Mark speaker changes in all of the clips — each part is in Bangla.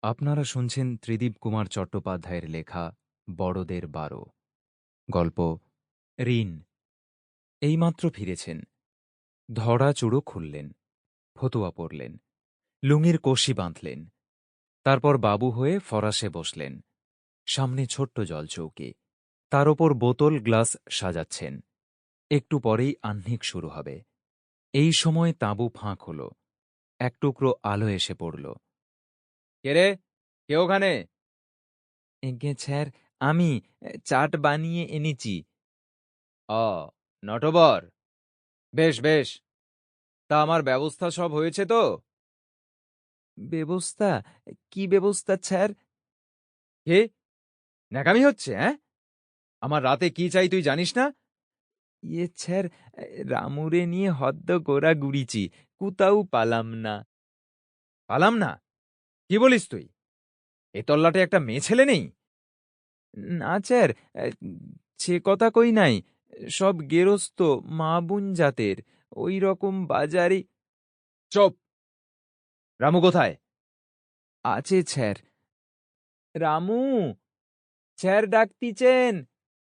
Speaker 1: আপনারা শুনছেন ত্রিদীপ কুমার চট্টোপাধ্যায়ের লেখা বড়দের ১২। গল্প ঋণ। এইমাত্র ফিরেছেন। ধরা চুড়ো খুললেন, ফতুয়া পরলেন, লুঙির কষি বাঁধলেন। তারপর বাবু হয়ে ফরাসে বসলেন। সামনে ছোট্ট জলচৌকি, তার ওপর বোতল গ্লাস সাজাচ্ছেন। একটু পরেই আহ্নিক শুরু হবে। এই সময় তাঁবু ফাঁক হল। এক টুকরো আলো এসে পড়ল।
Speaker 2: কে রে? কে ওখানে?
Speaker 1: এগে স্যার, আমি চাট বানিয়ে এনেছি।
Speaker 2: অ নটবর, বেশ বেশ। তা আমার ব্যবস্থা সব হয়েছে তো?
Speaker 1: ব্যবস্থা? কি ব্যবস্থা স্যার?
Speaker 2: কে? ন্যাকামি হচ্ছে, হ্যাঁ? আমার রাতে কি চাই তুই জানিস না?
Speaker 1: স্যার, রামুরে নিয়ে হদ্দ গোড়া গুড়িছি, কোথাও পালাম না।
Speaker 2: পালাম না? কি বলিস তুই? এ তল্লাটে একটা মেয়ে ছেলে নেই?
Speaker 1: না স্যার, সে কথা কই নাই। সব গেরস্ত মা বোন জাতের, ওই রকম বাজারে।
Speaker 2: চুপ! রামু কোথায়?
Speaker 1: আছে স্যার। রামু, স্যার ডাকতিছেন।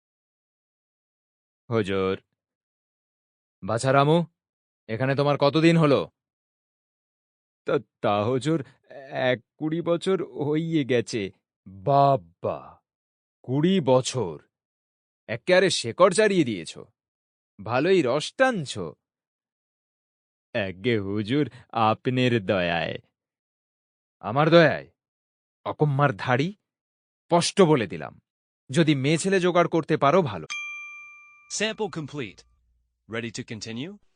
Speaker 2: হুজুর। বাছা রামু, এখানে তোমার কতদিন হলো?
Speaker 1: তা হুজুর, 20 বছর হইয়ে গেছে।
Speaker 2: বাবা, 20 বছর! একেবারে শেকড় চাড়িয়ে দিয়েছ। ভালোই রস টানছ।
Speaker 1: আজ্ঞে হুজুর, আপনার দয়ায়।
Speaker 2: আমার দয়ায়? অকম্মার ধাড়ি! স্পষ্ট বলে দিলাম, যদি মেয়ে ছেলে জোগাড় করতে পারো ভালো।
Speaker 3: Sample complete. Ready to continue?